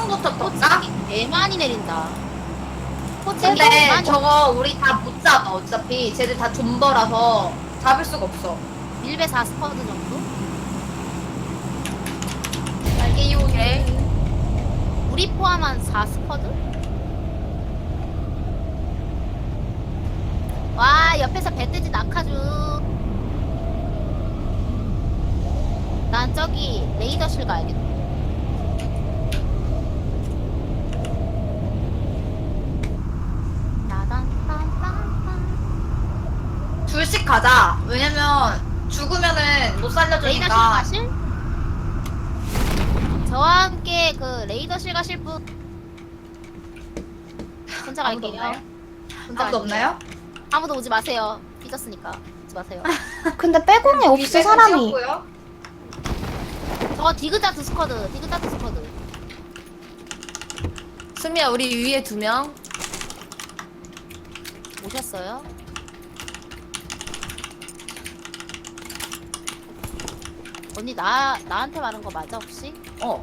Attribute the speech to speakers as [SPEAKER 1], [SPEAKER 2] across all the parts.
[SPEAKER 1] 포스터 떴나?
[SPEAKER 2] 개 많이 내린다.
[SPEAKER 1] 근데 저거 우리 다 못 잡아 어차피 쟤들 다 존버라서 잡을 수가 없어.
[SPEAKER 2] 밀배 4스쿼드 정도?
[SPEAKER 1] 날개 이용해.
[SPEAKER 2] 우리 포함한 4스쿼드? 와 옆에서 배뜨지 낙하주. 난 저기 레이더실 가야겠다.
[SPEAKER 1] 둘씩 가자. 왜냐면 죽으면은 못
[SPEAKER 2] 레이더실
[SPEAKER 1] 살려주니까.
[SPEAKER 2] 가실? 저와 함께 그 레이더실 가실 분? 혼자
[SPEAKER 1] 아무도
[SPEAKER 2] 갈게요.
[SPEAKER 1] 없나요?
[SPEAKER 2] 혼자
[SPEAKER 1] 아무도
[SPEAKER 2] 갈게요.
[SPEAKER 1] 없나요?
[SPEAKER 2] 아무도 오지 마세요. 삐졌으니까 오지 마세요.
[SPEAKER 3] 근데 빼공이 없어 사람이.
[SPEAKER 1] 찍었고요.
[SPEAKER 2] 저거 디그자트 스쿼드, 디그자트 스쿼드.
[SPEAKER 4] 수미야 우리 위에 2명.
[SPEAKER 2] 오셨어요? 언니 나한테 말한 거 맞아 혹시?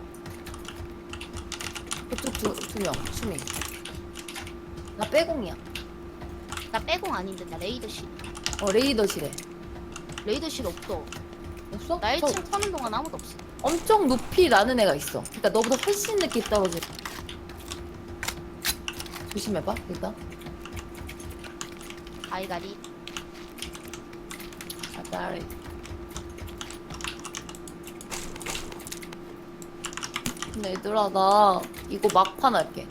[SPEAKER 4] 그쪽 2명 수미. 나 빼공이야.
[SPEAKER 2] 나 빼공 아닌데 나 레이더실.
[SPEAKER 4] 레이더실에.
[SPEAKER 2] 레이더실 없어.
[SPEAKER 4] 없어?
[SPEAKER 2] 나
[SPEAKER 4] 저
[SPEAKER 2] 1층 터는 동안 아무도 없어.
[SPEAKER 4] 엄청 높이 나는 애가 있어. 그러니까 너보다 훨씬 늦게 떨어져. 조심해봐 일단.
[SPEAKER 2] 아이가리.
[SPEAKER 4] 아따리. 근데 얘들아 나 이거 막판 할게.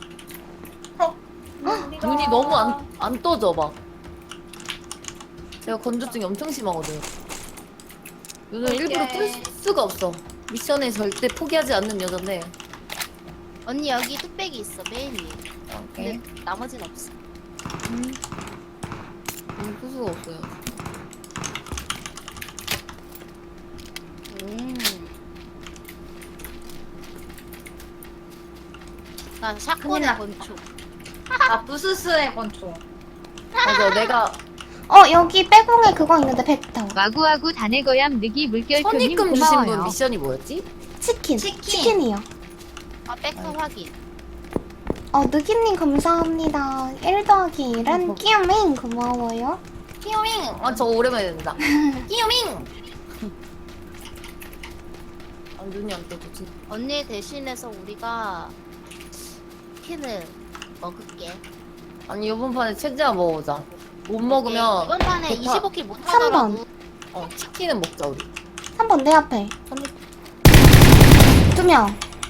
[SPEAKER 4] 눈이 너무 안 떠져 막. 내가 건조증이 엄청 심하거든. 눈을 일부러 뜰 수가 없어. 미션에 절대 포기하지 않는 여잔데.
[SPEAKER 2] 언니 여기 뚝배기 있어 맨 위에.
[SPEAKER 4] 오케이.
[SPEAKER 2] 근데 나머지는 없어.
[SPEAKER 4] 풀 수가 없어요.
[SPEAKER 2] 나
[SPEAKER 1] 큰일
[SPEAKER 2] 샷건의
[SPEAKER 1] 났다.
[SPEAKER 2] 권총.
[SPEAKER 1] 아 부스스의 권총.
[SPEAKER 4] 맞아 내가
[SPEAKER 3] 여기 빼공에 그거 있는데 벡터.
[SPEAKER 5] 와구와구 다네거얌 느기 물결표님
[SPEAKER 4] 선입금 주신 분
[SPEAKER 5] 고마워요.
[SPEAKER 4] 미션이 뭐였지?
[SPEAKER 3] 치킨.
[SPEAKER 1] 치킨.
[SPEAKER 3] 치킨이요.
[SPEAKER 2] 백터 확인.
[SPEAKER 3] 느기님 감사합니다. 1 더하기 1은 끼우밍 고마워요.
[SPEAKER 4] 끼요밍! 저거 오랜만에 된다. 끼요밍! 눈이 안 떠지지.
[SPEAKER 2] 언니 대신해서 우리가 치킨을 먹을게.
[SPEAKER 4] 아니 이번 판에 최대한 먹어보자. 못 먹으면
[SPEAKER 2] 이번 판에
[SPEAKER 4] 대파.
[SPEAKER 2] 25킬 못
[SPEAKER 3] 3번.
[SPEAKER 2] 하더라도
[SPEAKER 4] 치킨은 먹자 우리.
[SPEAKER 3] 3번 내 앞에.
[SPEAKER 4] 선입
[SPEAKER 3] 2명.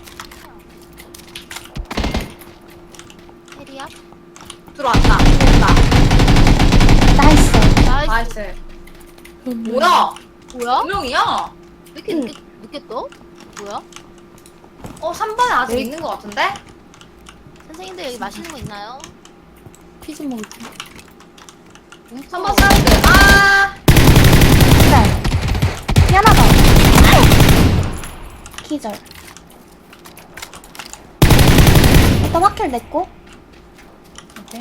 [SPEAKER 2] 해리야?
[SPEAKER 1] 들어왔다. 됐다.
[SPEAKER 3] 나이스.
[SPEAKER 2] 나이스.
[SPEAKER 1] 나이스. 뭐야?
[SPEAKER 2] 뭐야?
[SPEAKER 1] 분명이야.
[SPEAKER 2] 왜 이렇게 늦게 떠? 뭐야?
[SPEAKER 1] 3번에 아직 있는 것 같은데?
[SPEAKER 2] 선생님들 여기 맛있는 거 있나요?
[SPEAKER 4] 피즈 먹을게.
[SPEAKER 1] 3번 사운드. 아!
[SPEAKER 3] 기절. 미안하다. 기절. 일단 확킬 냈고.
[SPEAKER 4] 오케이.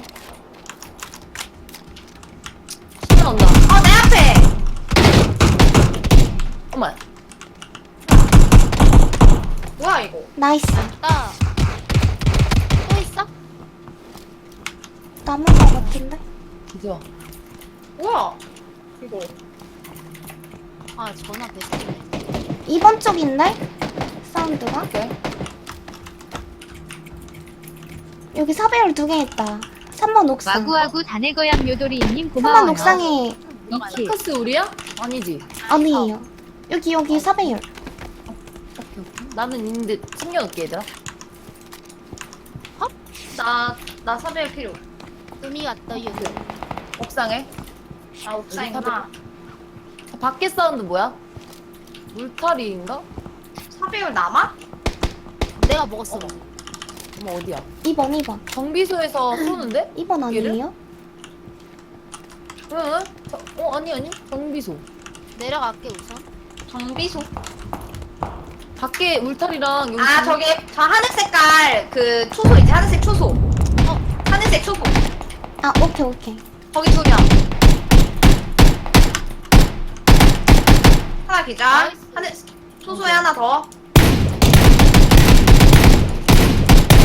[SPEAKER 4] 신나 온다.
[SPEAKER 1] 내 앞에!
[SPEAKER 4] 어머.
[SPEAKER 1] 뭐야, 이거?
[SPEAKER 3] 나이스.
[SPEAKER 2] 나. 또 있어?
[SPEAKER 3] 남은 거 같은데?
[SPEAKER 4] 기죠.
[SPEAKER 1] 뭐야? 이거.
[SPEAKER 2] 아 전화 배송이네.
[SPEAKER 3] 2번 쪽인데? 사운드가?
[SPEAKER 4] 오케이.
[SPEAKER 3] 여기 사배율 2개 있다. 3번 옥상.
[SPEAKER 5] 와구와구 다네거얌 요도리님
[SPEAKER 3] 3번
[SPEAKER 5] 고마워요.
[SPEAKER 3] 옥상에
[SPEAKER 5] 2킬.
[SPEAKER 4] 카스 우리야? 아니지.
[SPEAKER 3] 아니에요. 여기 사배율.
[SPEAKER 4] 나는 있는데 챙겨놓게 얘들아.
[SPEAKER 1] 나 사배율 필요.
[SPEAKER 2] 음이 왔다 여기.
[SPEAKER 4] 옥상에.
[SPEAKER 1] 아, 옥상이구나.
[SPEAKER 4] 밖에 사운드 뭐야? 물타리인가?
[SPEAKER 1] 사배율 남아?
[SPEAKER 2] 내가 먹었어.
[SPEAKER 4] 어머 어디야?
[SPEAKER 3] 2번.
[SPEAKER 4] 정비소에서 쏘는데?
[SPEAKER 3] 2번 아니에요?
[SPEAKER 4] 응? 아니 정비소.
[SPEAKER 2] 내려갈게 우선.
[SPEAKER 1] 정비소.
[SPEAKER 4] 밖에 울타리랑 여기
[SPEAKER 1] 아, 저기, 저 하늘 색깔, 그, 초소 있지? 하늘색 초소. 하늘색 초소.
[SPEAKER 3] 아, 오케이.
[SPEAKER 1] 거기 2명. 하나 기절.
[SPEAKER 2] 나이스.
[SPEAKER 1] 하늘, 초소에 하나 더.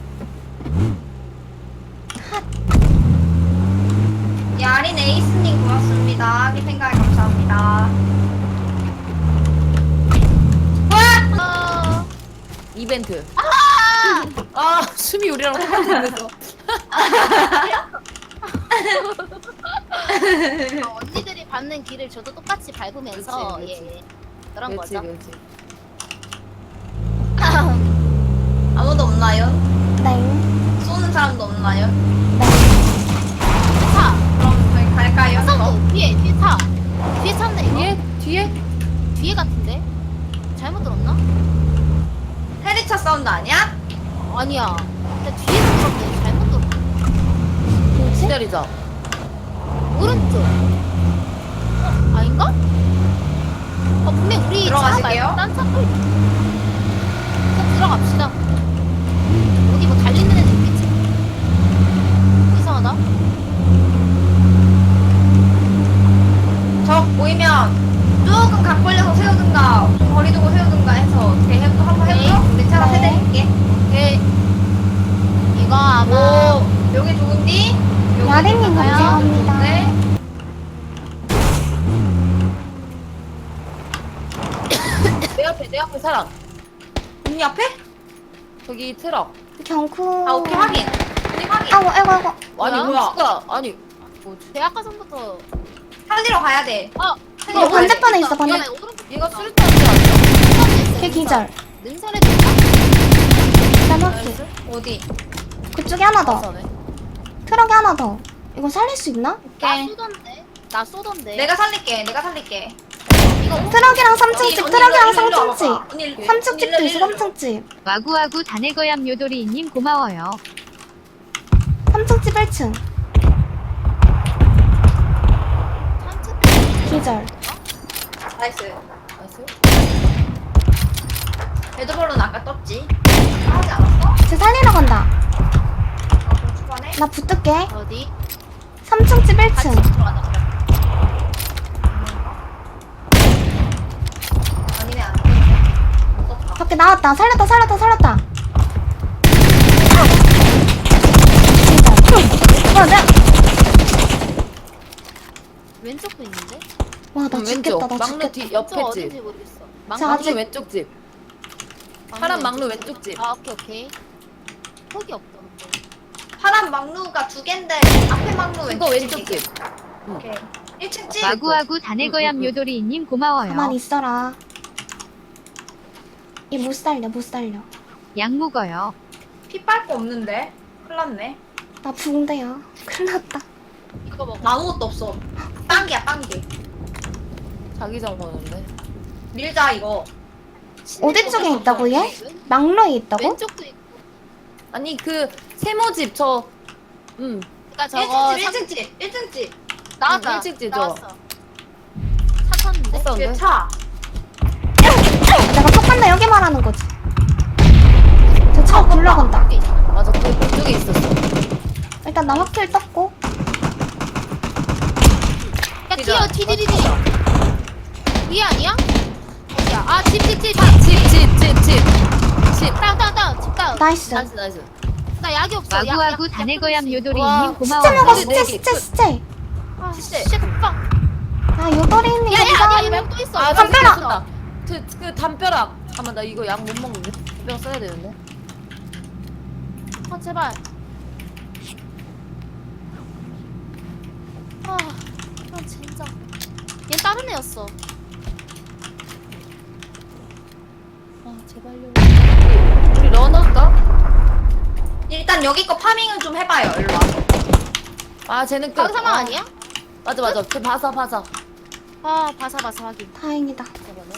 [SPEAKER 4] 이벤트. 아 숨이 우리랑 똑같은데서.
[SPEAKER 2] 언니들이 밟는 길을 저도 똑같이 밟으면서
[SPEAKER 4] 그치, 그치.
[SPEAKER 2] 예, 그런
[SPEAKER 4] 그렇지
[SPEAKER 2] 거죠.
[SPEAKER 4] 그렇지.
[SPEAKER 1] 아무도 없나요?
[SPEAKER 3] 네.
[SPEAKER 1] 쏘는 사람도 없나요?
[SPEAKER 3] 네.
[SPEAKER 2] 차,
[SPEAKER 1] 그럼 저희 갈까요?
[SPEAKER 2] 사운드 뒤에 차, 뒤에 차인데 이거
[SPEAKER 4] 뒤에?
[SPEAKER 2] 뒤에 같은데 잘못 들었나?
[SPEAKER 1] 헤리차 사운드 아니야?
[SPEAKER 2] 아니야. 나 뒤에서 들었는데 잘못 들었나?
[SPEAKER 3] 뭐지?
[SPEAKER 4] 기다리자.
[SPEAKER 2] 오른쪽. 아닌가? 분명 우리
[SPEAKER 1] 들어가실게요.
[SPEAKER 2] 차 말고 딴 차도 있. 꼭 들어갑시다. 어디 뭐 달리는 애들 있겠지? 이상하다.
[SPEAKER 1] 저 보이면 조금 각 벌려서 세우든가 좀 거리 두고 세우든가 해서 어떻게 한번 해볼까? 우리 차가
[SPEAKER 2] 네.
[SPEAKER 1] 세대릴게.
[SPEAKER 2] 오케이. 이거 아마
[SPEAKER 1] 오 여기 좋은디? 여기
[SPEAKER 3] 야린님
[SPEAKER 1] 좋은가요?
[SPEAKER 3] 감사합니다.
[SPEAKER 1] 네.
[SPEAKER 4] 내 앞에 사람.
[SPEAKER 1] 언니 앞에?
[SPEAKER 4] 저기 트럭.
[SPEAKER 3] 경쿠.
[SPEAKER 1] 아 오케이 확인. 언니 확인.
[SPEAKER 3] 아이고, 아이고, 아이고.
[SPEAKER 4] 아니
[SPEAKER 1] 뭐야?
[SPEAKER 4] 우주가 아니 뭐지?
[SPEAKER 2] 제가 아까 전부터
[SPEAKER 1] 살리러 가야 돼.
[SPEAKER 3] 이거 반대편에 있어, 반대.
[SPEAKER 2] 얘 오른쪽
[SPEAKER 4] 얘가 수류탄 지 않죠?
[SPEAKER 3] 걔 기절.
[SPEAKER 2] 능선에도 있다.
[SPEAKER 3] 일단 확킬.
[SPEAKER 1] 어디?
[SPEAKER 3] 그쪽에 하나 더.
[SPEAKER 4] 맞아네.
[SPEAKER 3] 트럭에 하나 더. 이거 살릴 수 있나?
[SPEAKER 2] 나 쏘던데. 나 쏘던데.
[SPEAKER 1] 내가 살릴게. 내가 살릴게.
[SPEAKER 2] 이거
[SPEAKER 3] 트럭이랑 3층 집,
[SPEAKER 1] 언니,
[SPEAKER 3] 트럭이랑
[SPEAKER 1] 일로
[SPEAKER 3] 3층
[SPEAKER 1] 와봐.
[SPEAKER 3] 집.
[SPEAKER 1] 언니,
[SPEAKER 3] 3층 집도
[SPEAKER 1] 언니,
[SPEAKER 3] 있어,
[SPEAKER 1] 일로
[SPEAKER 3] 3층 집.
[SPEAKER 5] 와구와구 다네거얌 요도리님 고마워요.
[SPEAKER 3] 3층 집 1층. 기절.
[SPEAKER 1] 나이스.
[SPEAKER 4] 나이스.
[SPEAKER 1] 레드볼은 아까 떴지? 하지 않았어?
[SPEAKER 3] 쟤 살리러 간다.
[SPEAKER 1] 그럼 초반에?
[SPEAKER 3] 나 붙을게.
[SPEAKER 2] 어디?
[SPEAKER 3] 3층 집
[SPEAKER 2] 같이
[SPEAKER 3] 1층.
[SPEAKER 2] 들어가자. 그래.
[SPEAKER 1] 아니네 안 떴네. 못 떴다.
[SPEAKER 3] 밖에 나왔다. 살렸다, 살렸다, 살렸다. 기절. 와,
[SPEAKER 2] 왼쪽도 있는데?
[SPEAKER 3] 와, 나 죽겠다, 나
[SPEAKER 4] 막루
[SPEAKER 3] 죽겠다.
[SPEAKER 4] 뒤
[SPEAKER 2] 왼쪽
[SPEAKER 4] 옆에
[SPEAKER 2] 어딘지
[SPEAKER 4] 집.
[SPEAKER 2] 모르겠어.
[SPEAKER 3] 자,
[SPEAKER 2] 막루
[SPEAKER 3] 아직-
[SPEAKER 4] 막루 왼쪽 집. 파란 막루 왼쪽 집.
[SPEAKER 2] 아 오케이 오케이. 폭이 없다 근데.
[SPEAKER 1] 파란 막루가 두 갠데 앞에 막루
[SPEAKER 4] 이거 왼쪽
[SPEAKER 1] 집이게.
[SPEAKER 4] 집.
[SPEAKER 1] 오케이. 1층 집.
[SPEAKER 5] 와구와구 다네거얌 요도리님 고마워요.
[SPEAKER 3] 가만히 있어라. 얘 못 살려, 못 살려.
[SPEAKER 5] 약 먹어요.
[SPEAKER 1] 피 빨고 없는데. 큰일 났네.
[SPEAKER 3] 나 붕대야. 큰일 났다.
[SPEAKER 2] 이거 먹어.
[SPEAKER 1] 아무것도 없어. 빵기야 빵기.
[SPEAKER 4] 자기장 보는데.
[SPEAKER 1] 밀자 이거.
[SPEAKER 3] 어디 쪽에 있다고, 얘? 막로에 있다고?
[SPEAKER 2] 왼쪽도 있고.
[SPEAKER 4] 아니 그 세모집 저.
[SPEAKER 2] 그러니까 저거
[SPEAKER 1] 1층 집. 1층 집.
[SPEAKER 2] 나왔다.
[SPEAKER 4] 일찍 찌죠?
[SPEAKER 2] 나왔어. 차 탔는데?
[SPEAKER 4] 했었는데.
[SPEAKER 1] 뒤에 차.
[SPEAKER 3] 내가 똑같나 여기 말하는 거지. 저 차 굴러간다.
[SPEAKER 4] 맞아 그쪽에 있었어.
[SPEAKER 3] 일단 나 확킬 떴고.
[SPEAKER 2] 야 뛰어 디디디디. 위 아니야? 어디야? 아 집.
[SPEAKER 4] 집.
[SPEAKER 2] 다운 집 다운.
[SPEAKER 3] 나이스.
[SPEAKER 4] 나이스.
[SPEAKER 2] 나 약이 없어.
[SPEAKER 5] 와구와구 다네거얌
[SPEAKER 2] 와,
[SPEAKER 5] 요도리님
[SPEAKER 3] 시체 먹어,
[SPEAKER 5] 고마워요.
[SPEAKER 3] 시체, 시체, 시체.
[SPEAKER 2] 아 진짜 빵.
[SPEAKER 3] 아, 요도리님
[SPEAKER 2] 야야 아니야
[SPEAKER 3] 감사합니다.
[SPEAKER 2] 얘 말고 또 있어.
[SPEAKER 4] 아
[SPEAKER 3] 담벼락!
[SPEAKER 4] 담벼락. 그 담벼락. 잠깐만 나 이거 약 못 먹는데. 담벼락 써야 되는데.
[SPEAKER 2] 제발. 아 진짜. 얘 다른 애였어.
[SPEAKER 4] 아 제발요. 우리 런할까?
[SPEAKER 1] 일단 여기 거 파밍은 좀 해봐요. 일로 와서.
[SPEAKER 4] 아 쟤는 끝.
[SPEAKER 2] 강사망 아니야?
[SPEAKER 4] 맞아. 쟤 바사.
[SPEAKER 2] 아 바사바사 하긴.
[SPEAKER 3] 다행이다.
[SPEAKER 4] 잠깐만.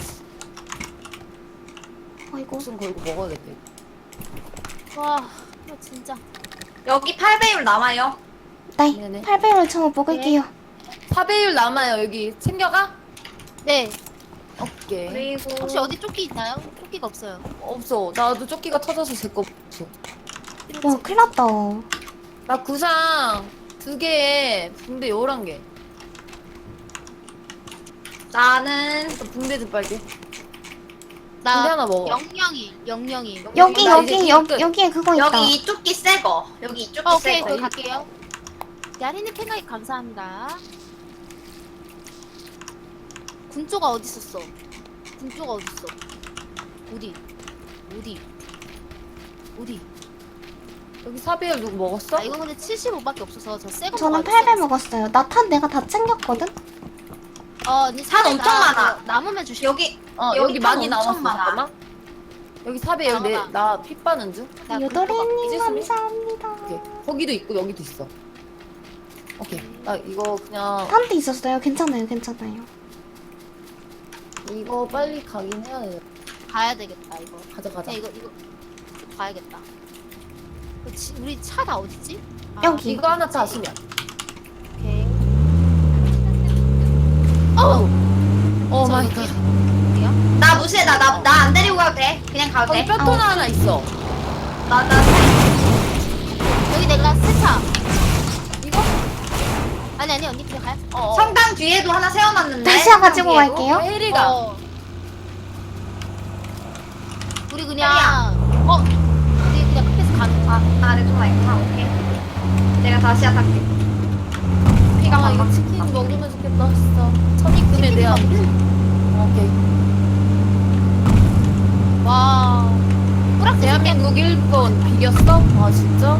[SPEAKER 3] 아이고.
[SPEAKER 4] 목숨 걸고 먹어야겠다. 이거.
[SPEAKER 2] 와 진짜.
[SPEAKER 1] 여기 8배율 남아요.
[SPEAKER 3] 네,
[SPEAKER 4] 네네.
[SPEAKER 3] 800을 저 먹을게요.
[SPEAKER 4] 파배율 남아요 여기. 챙겨가?
[SPEAKER 2] 네.
[SPEAKER 4] 오케이.
[SPEAKER 1] 그리고
[SPEAKER 2] 혹시 어디 조끼 있나요? 조끼가 없어요.
[SPEAKER 4] 없어. 나도 조끼가 터져서 제 거 없어.
[SPEAKER 3] 와, 큰일 났다.
[SPEAKER 4] 나 구상 2개에 붕대 11개.
[SPEAKER 1] 나는
[SPEAKER 4] 붕대 좀 빨게.
[SPEAKER 2] 나
[SPEAKER 4] 붕대 하나 먹어.
[SPEAKER 2] 영영이.
[SPEAKER 3] 여기,
[SPEAKER 4] 나 이제
[SPEAKER 3] 여기,
[SPEAKER 4] 끝.
[SPEAKER 3] 여기에 그거 있다.
[SPEAKER 1] 여기 이 조끼 새 거. 여기 이 조끼
[SPEAKER 2] 오케이
[SPEAKER 1] 새 거.
[SPEAKER 2] 그거 갈게요. 야리님 팬가입 감사합니다. 군조가 어디 있었어? 군조가 어디 있어? 어디? 어디?
[SPEAKER 4] 여기 사비엘 누구 먹었어?
[SPEAKER 2] 아 이거 근데 75밖에 없어서 저 새거
[SPEAKER 3] 저는 8배 먹었어요. 나 탄 내가 다 챙겼거든?
[SPEAKER 2] 언니
[SPEAKER 1] 산 엄청 많아.
[SPEAKER 2] 남으면 주시오.
[SPEAKER 1] 여기
[SPEAKER 4] 여기
[SPEAKER 1] 탄
[SPEAKER 4] 많이
[SPEAKER 1] 엄청
[SPEAKER 4] 나왔어.
[SPEAKER 1] 많아.
[SPEAKER 4] 잠깐만. 여기 사비엘
[SPEAKER 2] 잠깐만.
[SPEAKER 4] 나피 빠는 중.
[SPEAKER 2] 나
[SPEAKER 3] 요도리님
[SPEAKER 4] 지수미?
[SPEAKER 3] 감사합니다.
[SPEAKER 4] 오케이. 거기도 있고 여기도 있어. 오케이. 나 이거 그냥
[SPEAKER 3] 탄도 있었어요. 괜찮아요, 괜찮아요.
[SPEAKER 4] 이거 빨리 가긴 해야 돼.
[SPEAKER 2] 가야 되겠다 이거.
[SPEAKER 4] 가자.
[SPEAKER 2] 이거 가야겠다. 우리 차 다 어딨지? 아,
[SPEAKER 3] 여기.
[SPEAKER 4] 이거 하나 자수면.
[SPEAKER 2] 오케이.
[SPEAKER 4] 오 마이 갓.
[SPEAKER 2] 어디야?
[SPEAKER 1] 나 무시해. 나 안 데리고 가도 돼. 그냥 가도
[SPEAKER 4] 거기
[SPEAKER 1] 돼.
[SPEAKER 4] 뼈토 하나 있어.
[SPEAKER 1] 나
[SPEAKER 2] 여기 내가 세차. 이거? 아니 언니 그냥 가요.
[SPEAKER 1] 성당 뒤에도 하나 세워놨는데.
[SPEAKER 3] 다시 가지고
[SPEAKER 1] 성당 뒤에도.
[SPEAKER 3] 갈게요.
[SPEAKER 4] 혜리가
[SPEAKER 2] 우리 그냥 우리 그냥 끝에서 가는 거.
[SPEAKER 1] 내 통화 있구나. 오케이. 내가 다시 할게. 피가 막
[SPEAKER 4] 이거 치킨 먹으면 좋겠다 진짜. 천익금에 대한. 오케이.
[SPEAKER 2] 와. 뿌락
[SPEAKER 4] 대한민국 1번 비겼어? 아 진짜?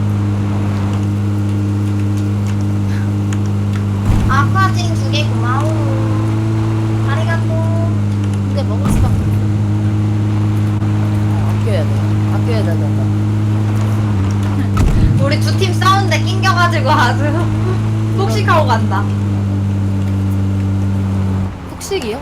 [SPEAKER 1] 아쿠아진 2개 고마워. 아리가또.
[SPEAKER 2] 근데 먹을 수밖에 없어.
[SPEAKER 4] 아껴야 된다.
[SPEAKER 1] 우리 두 팀 싸우는데 낑겨가지고 아주 폭식하고 간다.
[SPEAKER 4] 폭식이요?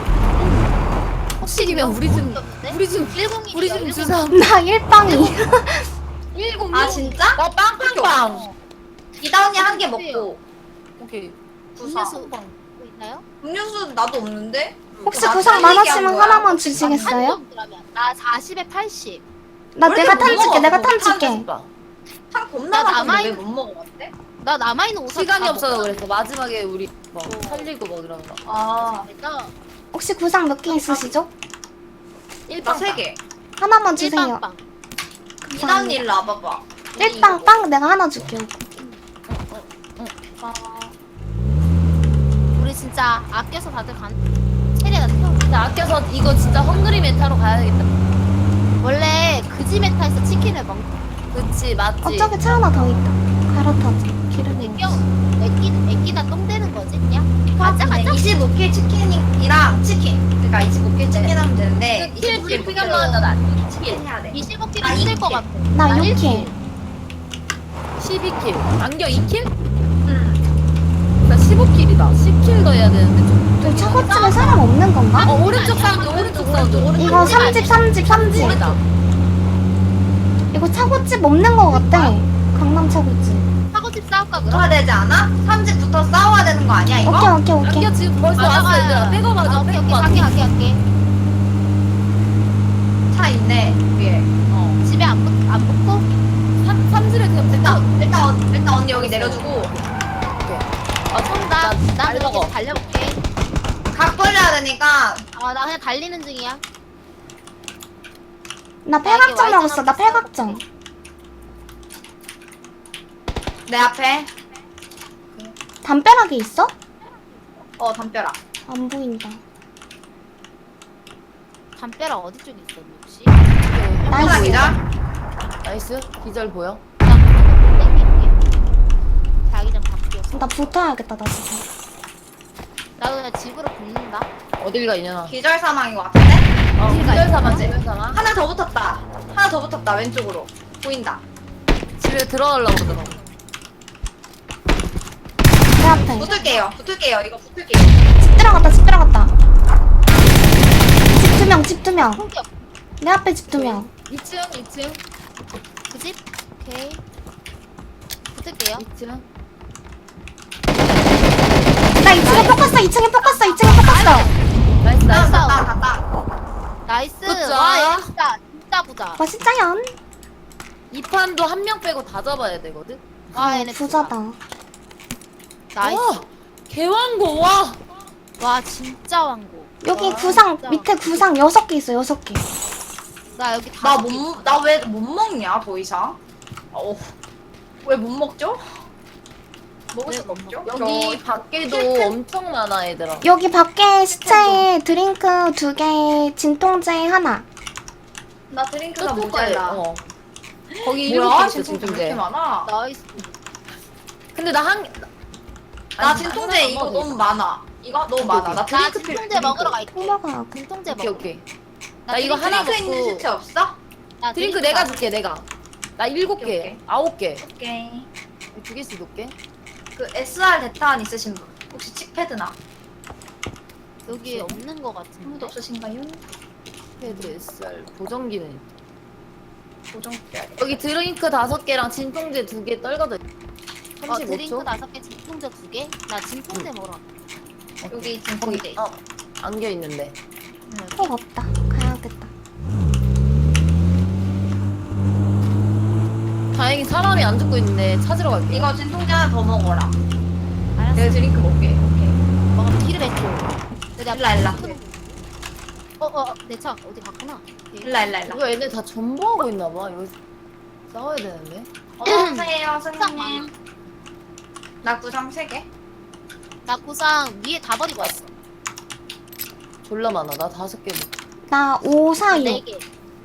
[SPEAKER 4] 폭식이면 우리 집
[SPEAKER 2] 101
[SPEAKER 4] 우리 집 주사
[SPEAKER 3] 나 일빵이.
[SPEAKER 4] 106?
[SPEAKER 1] 아 진짜?
[SPEAKER 4] 나 빵빵빵.
[SPEAKER 1] 이다 언니 한 개 먹고.
[SPEAKER 4] 오케이.
[SPEAKER 1] 구사.
[SPEAKER 2] 음료수 뭐 있나요?
[SPEAKER 1] 음료수 나도 없는데?
[SPEAKER 3] 혹시
[SPEAKER 1] 나
[SPEAKER 3] 구상
[SPEAKER 1] 딸기 얘기한
[SPEAKER 3] 많았으면
[SPEAKER 1] 거야.
[SPEAKER 3] 하나만 주시겠어요?
[SPEAKER 2] 그러면 나 40에 80.
[SPEAKER 3] 나
[SPEAKER 1] 왜
[SPEAKER 3] 내가
[SPEAKER 1] 이렇게
[SPEAKER 3] 탄
[SPEAKER 1] 못
[SPEAKER 3] 줄게,
[SPEAKER 1] 먹어?
[SPEAKER 3] 내가 탄
[SPEAKER 1] 못
[SPEAKER 3] 줄게.
[SPEAKER 1] 한 겁나
[SPEAKER 2] 나
[SPEAKER 1] 많은데
[SPEAKER 2] 남아있-
[SPEAKER 1] 왜 못 먹어봤대?
[SPEAKER 2] 나 남아있는 오사
[SPEAKER 4] 시간이 없어서 그랬어. 마지막에 우리 뭐 살리고 뭐 이런 거.
[SPEAKER 1] 아,
[SPEAKER 2] 나
[SPEAKER 3] 혹시 구상 몇 개 있으시죠?
[SPEAKER 1] 나 3개.
[SPEAKER 3] 하나만 주세요.
[SPEAKER 2] 일빵빵.
[SPEAKER 1] 이다 언니 일로 와봐봐.
[SPEAKER 3] 일빵 빵 내가 하나 줄게요.
[SPEAKER 2] 우리 진짜 아껴서 다들 간. 체리가 태워.
[SPEAKER 4] 근데 아껴서 이거 진짜 헝그리 메타로 가야겠다.
[SPEAKER 2] 원래 그지 메타에서 치킨을 먹.
[SPEAKER 4] 그치 맞지.
[SPEAKER 3] 어쩌게 차 하나 더 있다. 갈아타자. 기름이
[SPEAKER 2] 애껴.
[SPEAKER 3] 없어.
[SPEAKER 2] 애끼다 똥 되는 거지 그냥. 가자 가자.
[SPEAKER 1] 25킬 치킨이랑 치킨. 그러니까 25킬 치킨 하면 되는데.
[SPEAKER 4] 1킬 피가 나왔다 나.
[SPEAKER 1] 치킨 해야 돼.
[SPEAKER 2] 25킬
[SPEAKER 1] 아,
[SPEAKER 2] 힘들 것
[SPEAKER 1] 이렇게.
[SPEAKER 2] 같아.
[SPEAKER 3] 나
[SPEAKER 2] 나
[SPEAKER 3] 6킬.
[SPEAKER 4] 12킬. 안겨 2킬?
[SPEAKER 1] 응.
[SPEAKER 4] 나 15킬이다. 10킬 더 해야 되는데 좀.
[SPEAKER 3] 저 차고집에 사람 없는 건가?
[SPEAKER 4] 오른쪽 사운드 오른쪽 사운드 오른쪽.
[SPEAKER 3] 이거 3집.
[SPEAKER 4] 오른쪽.
[SPEAKER 3] 이거 차고집 없는 거 같아. 강남 차고집.
[SPEAKER 2] 사고집 싸울까 그럼?
[SPEAKER 1] 붙어야 되지 않아? 3집부터 싸워야 되는 거 아니야 이거?
[SPEAKER 3] 오케이.
[SPEAKER 4] 안겨 지금 벌써 왔어 얘들아. 빼고 맞아.
[SPEAKER 2] 오케이
[SPEAKER 4] 빼고
[SPEAKER 2] 오케이
[SPEAKER 4] 맞아.
[SPEAKER 2] 갈게.
[SPEAKER 1] 차 있네 위에.
[SPEAKER 2] 집에 안 붙고?
[SPEAKER 4] 3집에 그냥
[SPEAKER 1] 일단 언니 여기 내려주고
[SPEAKER 2] 나
[SPEAKER 4] 잘
[SPEAKER 2] 그렇게
[SPEAKER 4] 먹어.
[SPEAKER 2] 달려볼게.
[SPEAKER 1] 각 벌려야 되니까.
[SPEAKER 2] 나 그냥 달리는 중이야.
[SPEAKER 3] 나 팔각정 먹었어. 나 팔각정.
[SPEAKER 1] 내 앞에.
[SPEAKER 3] 담벼락에 있어?
[SPEAKER 1] 담벼락.
[SPEAKER 3] 안 보인다.
[SPEAKER 2] 담벼락 어디 쪽에 있었니 혹시?
[SPEAKER 1] 담벼락 기자.
[SPEAKER 4] 나이스. 기절 보여?
[SPEAKER 2] 자기장 바뀌었어.
[SPEAKER 3] 나 붙어야겠다, 나 지금.
[SPEAKER 2] 나도 그냥 집으로 붙는다.
[SPEAKER 4] 어딜 가 이년아.
[SPEAKER 1] 기절 사망인 것 같은데?
[SPEAKER 4] 기절 사망.
[SPEAKER 1] 맞지?
[SPEAKER 4] 기절 사망.
[SPEAKER 1] 하나 더 붙었다. 하나 더 붙었다 왼쪽으로. 보인다.
[SPEAKER 4] 집에 들어가려고 그러더라고.
[SPEAKER 3] 내 앞에.
[SPEAKER 1] 붙을게요. 이거 붙을게요.
[SPEAKER 3] 집 들어갔다. 집 2명.
[SPEAKER 2] 공격.
[SPEAKER 3] 내 앞에 집 2명.
[SPEAKER 4] 2층.
[SPEAKER 2] 그 집? 오케이. 붙을게요.
[SPEAKER 4] 2층.
[SPEAKER 3] 나 2층에 포커스.
[SPEAKER 4] 나이스 나이스.
[SPEAKER 1] 갔다.
[SPEAKER 2] 나이스.
[SPEAKER 4] 굿자.
[SPEAKER 2] 와, 얘 진짜 부자.
[SPEAKER 3] 멋있자연.
[SPEAKER 4] 이 판도 한 명 빼고 다 잡아야 되거든.
[SPEAKER 2] 와, 얘네
[SPEAKER 3] 부자다.
[SPEAKER 2] 나이스.
[SPEAKER 4] 와, 개왕고 와.
[SPEAKER 2] 와, 진짜 왕고.
[SPEAKER 3] 여기
[SPEAKER 2] 와,
[SPEAKER 3] 구상,
[SPEAKER 2] 진짜.
[SPEAKER 3] 밑에 구상 6개 있어, 6개.
[SPEAKER 2] 나 여기 다.
[SPEAKER 1] 나 왜 못 먹냐 더 이상? 왜 못 먹죠? 먹을 수가 없죠?
[SPEAKER 4] 여기 밖에도 엄청 많아 얘들아.
[SPEAKER 3] 여기 밖에 시체에 드링크 2개, 진통제 하나.
[SPEAKER 1] 나 드링크가
[SPEAKER 4] 뚜껑 거에,
[SPEAKER 1] 모자라.
[SPEAKER 4] 거기
[SPEAKER 1] 뭐야?
[SPEAKER 4] 7개 있어
[SPEAKER 1] 진통제 왜
[SPEAKER 4] 진통제.
[SPEAKER 1] 이렇게 많아?
[SPEAKER 2] 나이스.
[SPEAKER 4] 근데 나 한.
[SPEAKER 1] 나
[SPEAKER 4] 아니,
[SPEAKER 1] 진통제
[SPEAKER 4] 하나만
[SPEAKER 1] 이거
[SPEAKER 4] 먹어도
[SPEAKER 1] 너무 많아. 이거 너무 많아. 나
[SPEAKER 2] 나
[SPEAKER 1] 드링크 필요.
[SPEAKER 2] 진통제 먹으러 갈게.
[SPEAKER 3] 또 먹어요.
[SPEAKER 2] 진통제
[SPEAKER 4] 오케이
[SPEAKER 2] 먹어.
[SPEAKER 4] 오케이. 나 이거 하나
[SPEAKER 1] 드링크 있는
[SPEAKER 4] 먹고
[SPEAKER 1] 시체 없어?
[SPEAKER 2] 나
[SPEAKER 4] 드링크 내가
[SPEAKER 2] 다-
[SPEAKER 4] 줄게 내가. 나 7개,
[SPEAKER 1] 오케이.
[SPEAKER 4] 9개.
[SPEAKER 1] 오케이.
[SPEAKER 4] 2개씩 놓게.
[SPEAKER 1] 그 SR 대탄 있으신 분 혹시 칙패드나
[SPEAKER 2] 여기 없는 거
[SPEAKER 1] 아무도
[SPEAKER 2] 같은데.
[SPEAKER 1] 없으신가요?
[SPEAKER 4] 패드 SR 보정기는.
[SPEAKER 1] 보정 필요해.
[SPEAKER 4] 여기 드링크 5개랑 진통제 2개 떨궈져.
[SPEAKER 2] 드링크
[SPEAKER 4] 35초.
[SPEAKER 2] 5개, 진통제 2개. 나 진통제 먹으러 갈게.
[SPEAKER 1] 여기 진통제 있어.
[SPEAKER 4] 안겨 있는데.
[SPEAKER 3] 꼭 없다. 가야겠다.
[SPEAKER 4] 다행히 사람이 안 죽고 있는데 찾으러 갈게.
[SPEAKER 1] 이거 진통제 하나 더 먹어라.
[SPEAKER 2] 알았어.
[SPEAKER 1] 내가 드링크 먹게. 오케이.
[SPEAKER 2] 먹으면 기름 했죠.
[SPEAKER 1] 일라.
[SPEAKER 2] 내 차 어디 갔구나.
[SPEAKER 1] 일라.
[SPEAKER 4] 이거 얘네 다 전부하고 있나봐. 이거 싸워야 되는데.
[SPEAKER 1] 어서오세요, 선생님. 나 구상 3개.
[SPEAKER 2] 나 구상 위에 다 버리고 왔어.
[SPEAKER 4] 졸라 많아. 나 5개 먹.
[SPEAKER 3] 나 546.
[SPEAKER 2] 4개.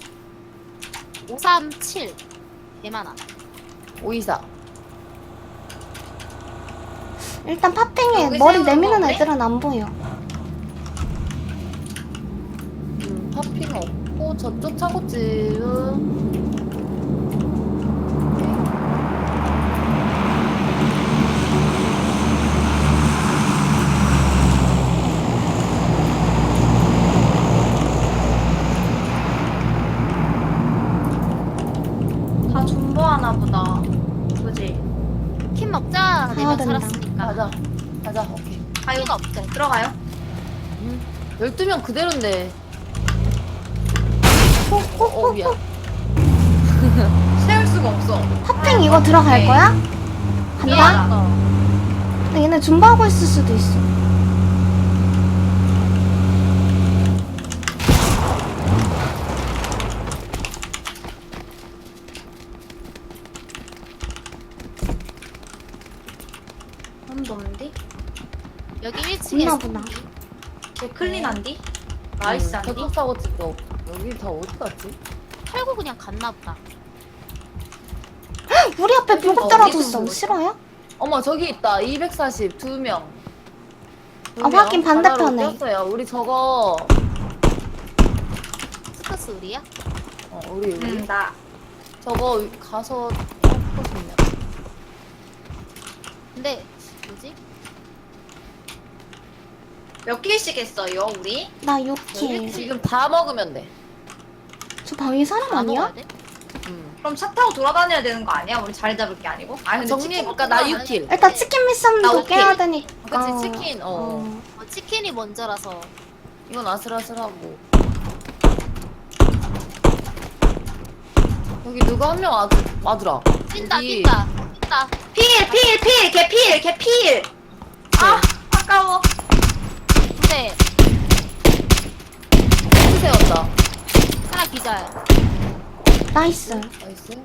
[SPEAKER 2] 537. 개 많아.
[SPEAKER 4] 524.
[SPEAKER 3] 일단 팥팽이에
[SPEAKER 1] 여기
[SPEAKER 3] 머리
[SPEAKER 1] 세우는
[SPEAKER 3] 내미는
[SPEAKER 1] 거네?
[SPEAKER 3] 애들은 안 보여.
[SPEAKER 4] 파핑 없고 저쪽 차고집은.
[SPEAKER 1] 다 존버하나 보다. 그지?
[SPEAKER 2] 킴 먹자.
[SPEAKER 3] 가야
[SPEAKER 2] 4명
[SPEAKER 3] 된다.
[SPEAKER 2] 살았으니까.
[SPEAKER 4] 가자. 오케이.
[SPEAKER 1] 아유,
[SPEAKER 2] 피가 없대.
[SPEAKER 1] 들어가요.
[SPEAKER 4] 12명 그대로인데. 미안.
[SPEAKER 1] 세울 수가 없어.
[SPEAKER 3] 팥팽 이거 들어갈
[SPEAKER 1] 오케이.
[SPEAKER 3] 거야? 간다?
[SPEAKER 1] 미안하다.
[SPEAKER 3] 근데 얘네 준비하고 있을 수도 있어.
[SPEAKER 1] 아무도 없는데?
[SPEAKER 2] 여기 1층에
[SPEAKER 3] 있나 보다.
[SPEAKER 1] 쟤 클린한디? 나이스 한디?
[SPEAKER 4] 저쪽 차고집도 없. 여기 다 어디 갔지?
[SPEAKER 2] 털고 그냥 갔나 보다.
[SPEAKER 3] 우리 앞에 불꽃
[SPEAKER 1] 어디서
[SPEAKER 3] 떨어졌어.
[SPEAKER 1] 보여?
[SPEAKER 3] 싫어요?
[SPEAKER 4] 어머 저기 있다. 240 2명.
[SPEAKER 3] 확인 반대편에.
[SPEAKER 4] 떴어요. 우리 저거.
[SPEAKER 2] 스커스 우리야?
[SPEAKER 4] 우리
[SPEAKER 1] 나.
[SPEAKER 4] 저거 가서 하고 싶네.
[SPEAKER 2] 근데 뭐지?
[SPEAKER 1] 몇 킬씩 했어요, 우리?
[SPEAKER 3] 나 6킬.
[SPEAKER 4] 지금 다 먹으면 돼.
[SPEAKER 3] 저 방위 사람
[SPEAKER 2] 다
[SPEAKER 3] 아니야?
[SPEAKER 2] 먹어야 돼?
[SPEAKER 1] 그럼 차 타고 돌아다녀야 되는 거 아니야? 우리 자리 잡을 게 아니고? 아 근데
[SPEAKER 4] 정리해볼까? 나 6킬.
[SPEAKER 3] 일단 치킨 미션도
[SPEAKER 1] 나 오케이.
[SPEAKER 3] 깨야 되니까.
[SPEAKER 4] 그치 치킨.
[SPEAKER 2] 치킨이 먼저라서.
[SPEAKER 4] 이건 아슬아슬하고. 여기 누가 한 명 와주라.
[SPEAKER 2] 뛴다
[SPEAKER 4] 여기
[SPEAKER 2] 뛴다.
[SPEAKER 1] 걔 필! 아, 아까워.
[SPEAKER 2] 근데
[SPEAKER 4] 트 세웠다.
[SPEAKER 2] 하나 기절.
[SPEAKER 3] 나이스.
[SPEAKER 4] 나이스.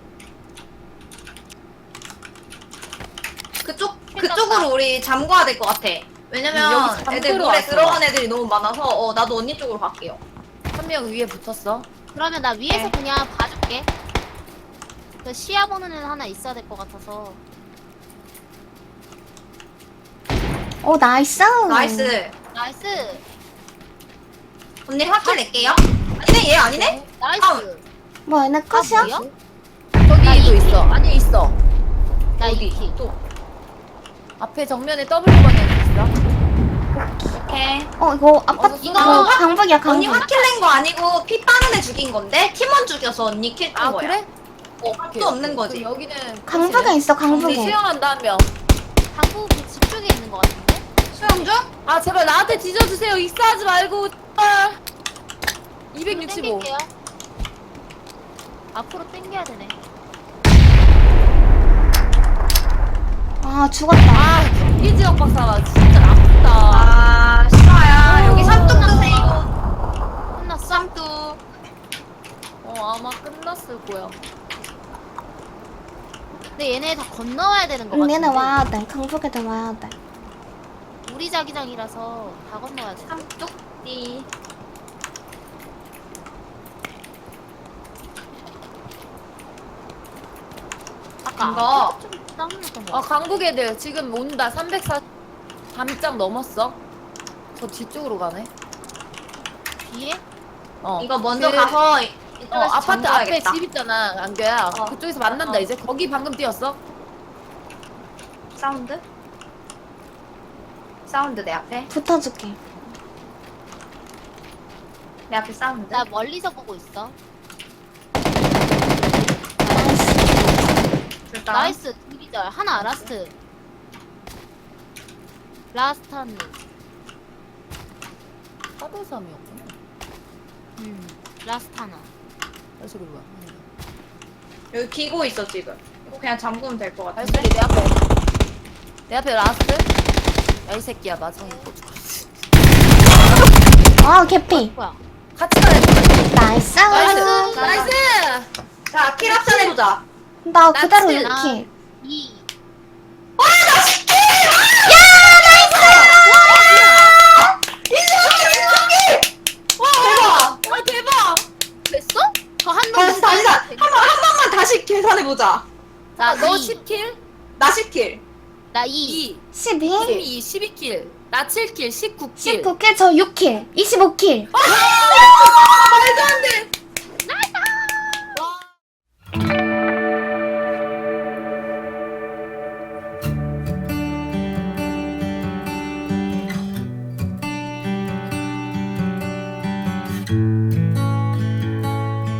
[SPEAKER 1] 그쪽으로 우리 잠궈야 될 것 같아. 왜냐면
[SPEAKER 4] 여기 잠그러
[SPEAKER 1] 애들 물에
[SPEAKER 4] 왔어.
[SPEAKER 1] 들어간 애들이 너무 많아서 나도 언니 쪽으로 갈게요.
[SPEAKER 4] 한 명 위에 붙었어.
[SPEAKER 2] 그러면 나 위에서
[SPEAKER 1] 네.
[SPEAKER 2] 그냥 봐줄게. 그 시야 보는 애는 하나 있어야 될 것 같아서.
[SPEAKER 3] 오 나이스.
[SPEAKER 1] 나이스.
[SPEAKER 2] 나이스.
[SPEAKER 1] 언니 확킬 낼게요. 아니네, 얘 아니네?
[SPEAKER 2] 나이스.
[SPEAKER 3] 뭐 얘네 끝이야?
[SPEAKER 2] 뭐야?
[SPEAKER 4] 저기도 있어. 아니 있어.
[SPEAKER 2] 나
[SPEAKER 1] 어디?
[SPEAKER 2] 이키.
[SPEAKER 1] 또.
[SPEAKER 4] 앞에 정면에 W 방향 있어.
[SPEAKER 1] 오케이.
[SPEAKER 3] 이거 아빠
[SPEAKER 4] 어서
[SPEAKER 3] 이거
[SPEAKER 1] 쏘자.
[SPEAKER 3] 강북이야
[SPEAKER 1] 언니
[SPEAKER 3] 강북.
[SPEAKER 1] 확킬 낸 거 아니고 피 빠는 애 죽인 건데 팀원 죽여서 언니 킬 뜬
[SPEAKER 4] 아
[SPEAKER 1] 거야.
[SPEAKER 4] 그래?
[SPEAKER 1] 또 없는 거지.
[SPEAKER 4] 그럼 여기는
[SPEAKER 3] 강북에 있어
[SPEAKER 4] 우리
[SPEAKER 3] 강북에.
[SPEAKER 4] 수영한다 한 명.
[SPEAKER 2] 당구 집 쪽에 있는 것 같은데?
[SPEAKER 1] 수영 중?
[SPEAKER 4] 아 제발 나한테 뒤져주세요. 익사하지 말고. 제발. 265.
[SPEAKER 2] 땡길게요. 앞으로 땡겨야 되네.
[SPEAKER 3] 아 죽었다.
[SPEAKER 4] 아 경기 지역 박사가 진짜 나쁘다.
[SPEAKER 1] 아, 싫어요. 여기 삼뚝 드세요.
[SPEAKER 2] 끝났어?
[SPEAKER 1] 삼뚝.
[SPEAKER 4] 아마 끝났을 거야.
[SPEAKER 2] 근데 얘네 다 건너와야 되는 것 같은데.
[SPEAKER 3] 얘네 와야 돼. 강북애들 와야 돼.
[SPEAKER 2] 우리 자기장이라서 다 건너와야 돼.
[SPEAKER 1] 삼뚝띠. 이거.
[SPEAKER 2] 좀 싸움났던 거
[SPEAKER 4] 아
[SPEAKER 2] 같아.
[SPEAKER 4] 강북 애들 지금 온다. 340 담장 넘었어. 저 뒤쪽으로 가네.
[SPEAKER 2] 뒤에?
[SPEAKER 1] 이거 먼저
[SPEAKER 4] 그-
[SPEAKER 1] 가서 이쪽에서
[SPEAKER 4] 아파트 앞에
[SPEAKER 1] 잠궈야겠다.
[SPEAKER 4] 집 있잖아 안겨야.
[SPEAKER 1] 어.
[SPEAKER 4] 그쪽에서 만난다
[SPEAKER 1] 어.
[SPEAKER 4] 이제. 거기 방금 뛰었어.
[SPEAKER 1] 사운드? 사운드 내 앞에?
[SPEAKER 3] 붙어줄게.
[SPEAKER 1] 내 앞에 사운드?
[SPEAKER 2] 나 멀리서 보고 있어.
[SPEAKER 1] 일단
[SPEAKER 2] 나이스 둘이절 하나 라스트. 라스트 한 명.
[SPEAKER 4] 4대3이었구나.
[SPEAKER 2] 라스트 하나.
[SPEAKER 4] 발소리 뭐야?
[SPEAKER 1] 여기 기고 있어 지금. 이거 그냥 잠그면 될 것 같은데?
[SPEAKER 4] 발소리 내 앞에. 내 앞에 라스트. 야 이 새끼야 마성이 고추.
[SPEAKER 3] 아, 개피.
[SPEAKER 2] 뭐야?
[SPEAKER 4] 같이 가야 돼.
[SPEAKER 3] 나이스.
[SPEAKER 4] 나이스. 나이스.
[SPEAKER 1] 자, 킬 합산 해보자.
[SPEAKER 3] 나 그대로
[SPEAKER 4] 나치.
[SPEAKER 3] 이렇게.
[SPEAKER 2] 2.
[SPEAKER 1] 대박!
[SPEAKER 4] 와 대박.
[SPEAKER 2] 됐어? 저한
[SPEAKER 1] 다시, 다시, 한 번만 다시 계산해보자.
[SPEAKER 4] 자, 너
[SPEAKER 2] 이.
[SPEAKER 4] 10킬,
[SPEAKER 1] 나 10킬.
[SPEAKER 2] 나 2.
[SPEAKER 4] 2,
[SPEAKER 3] 12.
[SPEAKER 4] 12킬, 나 7킬, 19킬.
[SPEAKER 3] 19킬, 저 6킬. 25킬.
[SPEAKER 1] 말도